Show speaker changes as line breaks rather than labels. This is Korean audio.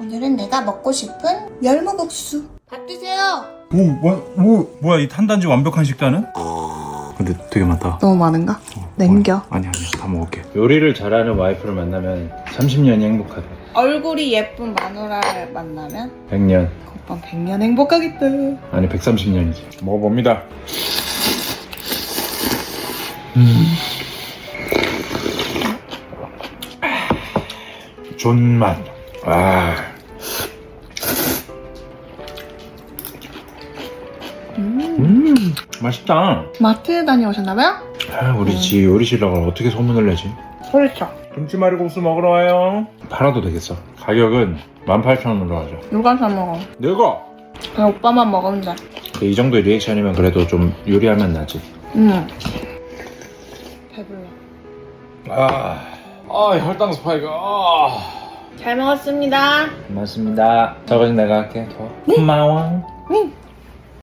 오늘은 내가 먹고 싶은 열무국수. 밥 드세요.
뭐야 이 탄단지 완벽한 식단은? 근데 되게 많다.
너무 많은가? 남겨.
아니야 다 먹을게. 요리를 잘하는 와이프를 만나면 30년이 행복하대.
얼굴이 예쁜 마누라를 만나면
100년.
오빠 100년 행복하겠다.
아니 130년이지. 먹어봅니다. 존맛. 맛있다.
마트에 다녀오셨나봐요?
우리 집 요리실력을 어떻게 소문을 내지?
그렇죠.
김치말이국수 먹으러 와요. 팔아도 되겠어. 가격은 18,000원으로 하죠.
누가 사 먹어?
내가!
그냥 오빠만 먹으면 돼.
근데 이 정도의 리액션이면 그래도 좀 요리하면 나지.
배불러.
혈당 스파이크.
잘 먹었습니다.
고맙습니다. 저거는 내가 할게. 더. 고마워.